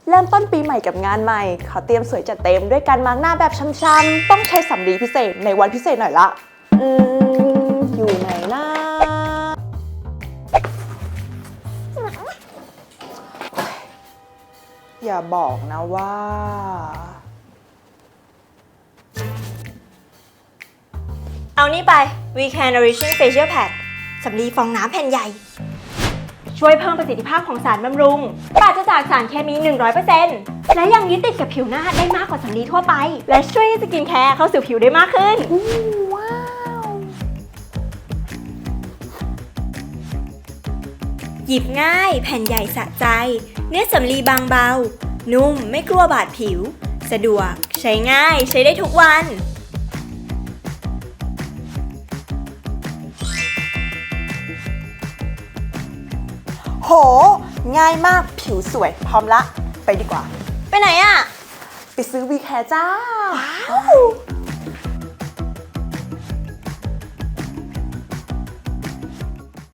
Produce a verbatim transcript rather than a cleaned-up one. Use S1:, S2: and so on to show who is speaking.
S1: เริ่มต้นปีใหม่กับงานใหม่ขอเตรียมสวยจัดเต็มด้วยการมาร์กหน้าแบบช้ำๆต้องใช้สำลีพิเศษในวันพิเศษหน่อยละอืมอยู่ไหนนะอย่าบอกนะว่า
S2: เอานี่ไป We Can Nourishing Facial Pad สำลีฟองน้ำแผ่นใหญ่ ช่วยเพิ่มประสิทธิภาพของสารบำรุงปราศจากสารเคมี หนึ่งร้อยเปอร์เซ็นต์ และยังยึดติดกับผิวหน้าได้มากกว่าสำลีทั่วไป และช่วยให้สกินแคร์เข้าสู่ผิวได้มากขึ้น
S1: ว้าว
S2: หยิบง่ายแผ่นใหญ่สะใจ เนื้อสำลีบางเบา นุ่มไม่กลัวบาดผิว สะดวกใช้ง่ายใช้ได้ทุกวัน
S1: โหง่ายมากผิวสวยพร้อมละไปดีกว่า
S2: ไปไหนอะ
S1: ไปซื้อวีแคร์จ้า
S2: ว้าว